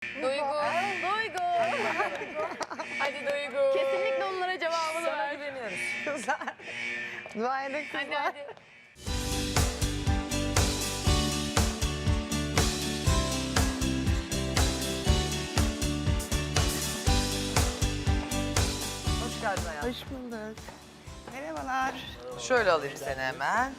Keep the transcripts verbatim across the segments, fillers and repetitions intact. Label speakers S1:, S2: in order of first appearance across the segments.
S1: Duygu. Duygu. Hadi Duygu. Kesinlikle onlara cevabını
S2: Sana
S1: ver.
S2: güveniyoruz.
S3: Kızlar. Dua edin kızlar.
S1: Hadi hadi.
S2: Hoş geldin hayatım.
S3: Hoş bulduk. Merhabalar.
S2: Şöyle alayım seni hemen.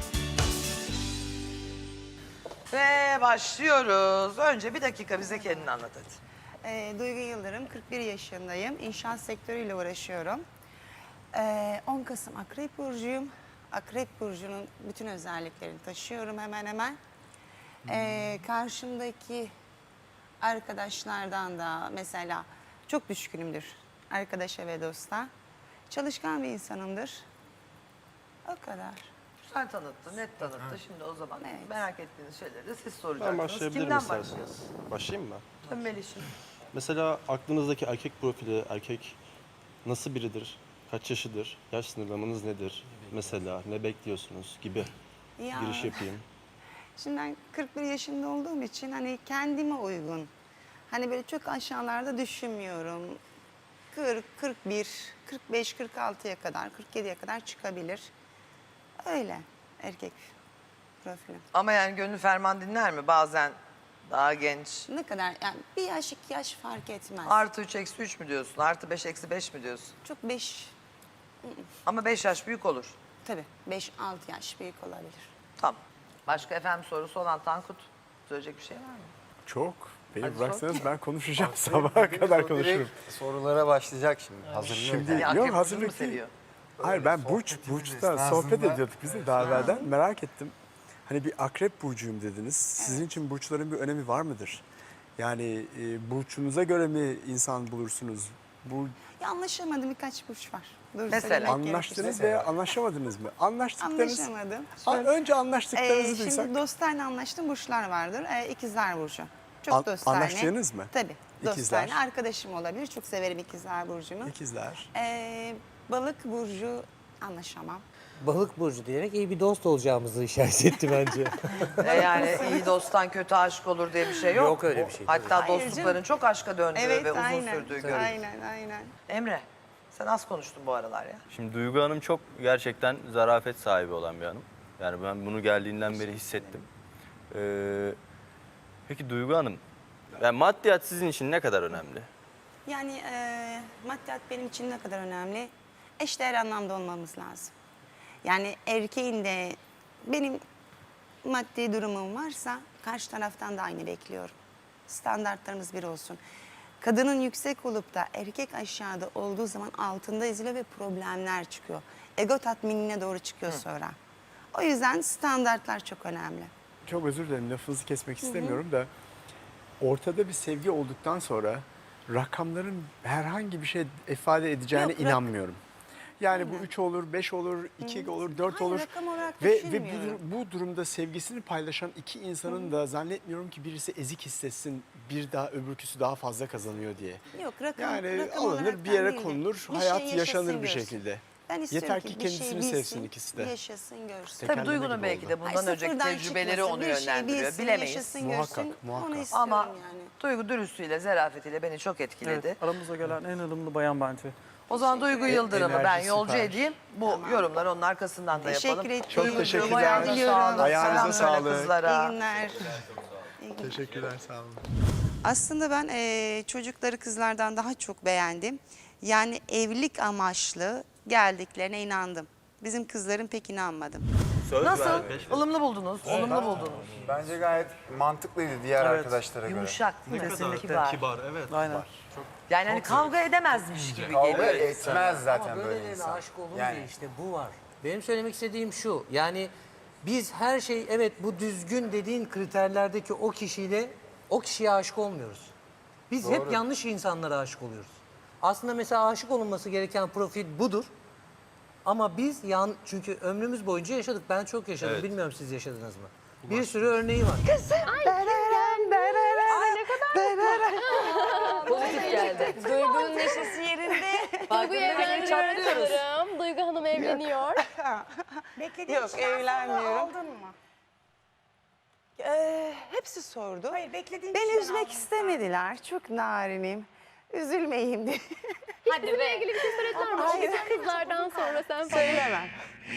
S2: Ve başlıyoruz. Önce bir dakika bize kendini anlat hadi.
S3: Ee, Duygu Yıldırım, kırk bir yaşındayım. İnşaat sektörüyle uğraşıyorum. Ee, on Kasım Akrep Burcu'yum. Akrep Burcu'nun bütün özelliklerini taşıyorum hemen hemen. Ee, karşımdaki arkadaşlardan da mesela çok düşkünümdür arkadaşa ve dosta. Çalışkan bir insanımdır. O kadar.
S2: Sen tanıttın, net tanıttı. Şimdi o zaman
S3: Evet.
S2: merak ettiğiniz şeyleri de siz
S4: Ben
S2: soracaksınız.
S4: başlayabilirim
S2: Kimden
S4: isterseniz.
S2: başlıyorsun?
S4: Başlayayım mı?
S2: Tabii Melih'im.
S4: Mesela aklınızdaki erkek profili, erkek nasıl biridir? Kaç yaşıdır? Yaş sınırlamanız nedir? Mesela ne bekliyorsunuz gibi
S3: Ya.
S4: giriş yapayım.
S3: Şimdi ben kırk bir yaşında olduğum için hani kendime uygun. Hani böyle çok aşağılarda düşünmüyorum. kırk, kırk bir, kırk beş, kırk altıya kadar, kırk yediye kadar çıkabilir. Öyle erkek profili.
S2: Ama yani gönlü ferman dinler mi? Bazen daha genç.
S3: Ne kadar yani bir yaş iki yaş fark etmez.
S2: Artı üç eksi üç mü diyorsun? Artı beş eksi beş mi diyorsun?
S3: Çok beş,
S2: Ama beş yaş büyük olur.
S3: tabii beş altı yaş büyük olabilir.
S2: Tamam. Başka efendim sorusu olan Tankut. Söyleyecek bir şey var mı?
S5: Çok. Beni
S2: Hadi
S5: bıraksanız
S2: sor.
S5: ben konuşacağım. Sabaha kadar konuşurum.
S6: Sorulara başlayacak şimdi. Hazırlıyor.
S5: Şimdi
S2: Yani
S5: yok
S2: akrep burcunu mu
S5: hazırlık değil.
S2: seviyor?
S5: Hayır ben burç,
S6: sohbetimiz
S5: burçta
S6: esnasında-
S5: sohbet ediyorduk biz de daha evvelden. Merak ettim. Hani bir akrep burcuyum dediniz. Sizin için burçların bir önemi var mıdır? Yani e, burçunuza göre mi insan bulursunuz? Bu
S3: Ya anlaşamadım birkaç burç var. Dur,
S2: Mesela?
S3: söylemek
S5: anlaştınız
S3: gerekirse.
S5: veya anlaşamadınız mı? Anlaştıklarınız.
S3: Anlaşamadım.
S5: Ha, önce
S3: Ee,
S5: anlaştıklarınızı duysak.
S3: şimdi dostlarla anlaştığım burçlar vardır. Ee, ikizler burcu. Çok
S5: An-
S3: dostane.
S5: anlaştığınız mı?
S3: Tabii.
S5: İkizler.
S3: Dostane. Arkadaşım olabilir. Çok severim ikizler burcunu.
S5: İkizler.
S3: Ee, balık burcu anlaşamam.
S6: Balık burcu diyerek iyi bir dost olacağımızı işaret etti bence.
S2: E yani iyi dosttan kötü aşk olur diye bir şey yok.
S6: Yok öyle bir şey,
S2: Hatta
S3: tabii. Hayır
S2: dostlukların
S3: canım.
S2: çok aşka döndüğü
S3: Evet,
S2: ve uzun
S3: aynen.
S2: sürdüğü görülür.
S3: Aynen, aynen.
S2: Emre, sen az konuştun bu aralar ya.
S7: Şimdi Duygu Hanım çok gerçekten zarafet sahibi olan bir hanım. Yani ben bunu geldiğinden beri hissettim. Ee, peki Duygu Hanım, yani maddiyat sizin için ne kadar önemli?
S3: Yani e, maddiyat benim için ne kadar önemli? Eşdeğer anlamda olmamız lazım. Yani erkeğin de benim maddi durumum varsa karşı taraftan da aynı bekliyorum. Standartlarımız bir olsun. Kadının yüksek olup da erkek aşağıda olduğu zaman altında eziliyor ve problemler çıkıyor. Ego tatminine doğru çıkıyor sonra. O yüzden standartlar çok önemli.
S5: Çok özür dilerim lafınızı kesmek istemiyorum da ortada bir sevgi olduktan sonra rakamların herhangi bir şey ifade edeceğine
S3: Yok, rak-
S5: inanmıyorum. Yani bu üç olur, beş olur, iki olur, dört
S3: Hayır,
S5: olur.
S3: rakam olarak
S5: Ve, ve
S3: düşünmüyorum.
S5: bu, bu durumda sevgisini paylaşan iki insanın da zannetmiyorum ki birisi ezik hissetsin, bir daha öbürküsü daha fazla kazanıyor diye.
S3: Yok rakam,
S5: Yani
S3: rakam
S5: alınır
S3: olarak
S5: bir yere
S3: değil de
S5: konulur,
S3: bir
S5: hayat
S3: şey
S5: yaşanır
S3: yaşasın
S5: bir
S3: görsün.
S5: şekilde.
S3: Ben istiyorum
S5: Yeter
S3: ki
S5: ki
S3: bir şeyi
S5: kendisini
S3: bilsin,
S5: sevsin ikisi de.
S3: yaşasın görsün.
S2: Tabii
S5: Tekerleme
S2: Duygu'nun
S5: gibi
S2: belki
S5: oldu.
S2: de bundan
S3: Ay,
S2: önceki
S3: sıfırdan
S2: tecrübeleri
S3: çıkmasın,
S2: onu
S3: bir şeyi
S2: yönlendiriyor.
S3: bilsin,
S2: Bilemeyiz.
S3: yaşasın,
S5: Muhakkak,
S3: görsün.
S5: muhakkak.
S3: Onu istiyorum
S2: Ama
S3: yani.
S2: Duygu dürüstlüğüyle, zarafetiyle beni çok etkiledi.
S8: Evet, aramıza gelen en ılımlı bayan bence.
S2: O zaman Duygu Yıldırım'ı ben
S5: Enerji
S2: yolcu
S5: süper.
S2: edeyim. Bu yorumları onun arkasından da
S3: Teşekkür
S2: yapalım.
S3: ederim.
S5: Çok
S2: Duygucuğum,
S5: teşekkürler.
S2: ayağınıza
S3: Diliyorum.
S2: sağlık.
S5: Ayağınıza
S2: Selam söyle
S5: sağlık.
S2: kızlara.
S3: İyi günler.
S5: Teşekkürler, sağ olun.
S3: Aslında ben eee, çocukları kızlardan daha çok beğendim. Yani evlilik amaçlı geldiklerine inandım. Bizim kızların pek inanmadım.
S7: Söz
S2: Nasıl?
S7: vermiş.
S2: Ilımlı buldunuz, olumlu buldunuz.
S6: Bence gayet mantıklıydı diğer
S8: Evet.
S6: arkadaşlara göre.
S2: Yumuşak, sesli, kibar.
S4: Kibar, evet.
S8: Aynen.
S2: Yani hani kavga edemezmiş gibi
S6: Kavga
S2: geliyor.
S6: etmez zaten
S9: Ama
S6: böyle
S9: böylelerine
S6: insan.
S9: aşık olunmuyor
S6: Yani
S9: işte bu var. Benim söylemek istediğim şu. Yani biz her şey evet bu düzgün dediğin kriterlerdeki o kişiyle o kişiye aşık olmuyoruz. Biz hep yanlış insanlara aşık oluyoruz. Aslında mesela aşık olunması gereken profil budur. Ama biz yan çünkü ömrümüz boyunca yaşadık. Ben çok yaşadım.
S7: Evet.
S9: Bilmiyorum siz yaşadınız mı? Bir sürü örneği var.
S1: Pozitif geldi. Duygu'nun neşesi yerinde. Duygu evleniyor sanırım. Duygu Hanım evleniyor.
S3: Yok evlenmiyorum. Ee, hepsi sordu.
S10: Hayır, beklediğin
S3: Beni
S10: kişiden
S3: üzmek
S10: almışlar.
S3: istemediler. Çok narinim. Üzülmeyeyim diye.
S1: Hadi be.
S10: Ama
S1: Kızlardan sonra sen
S3: Söylemem.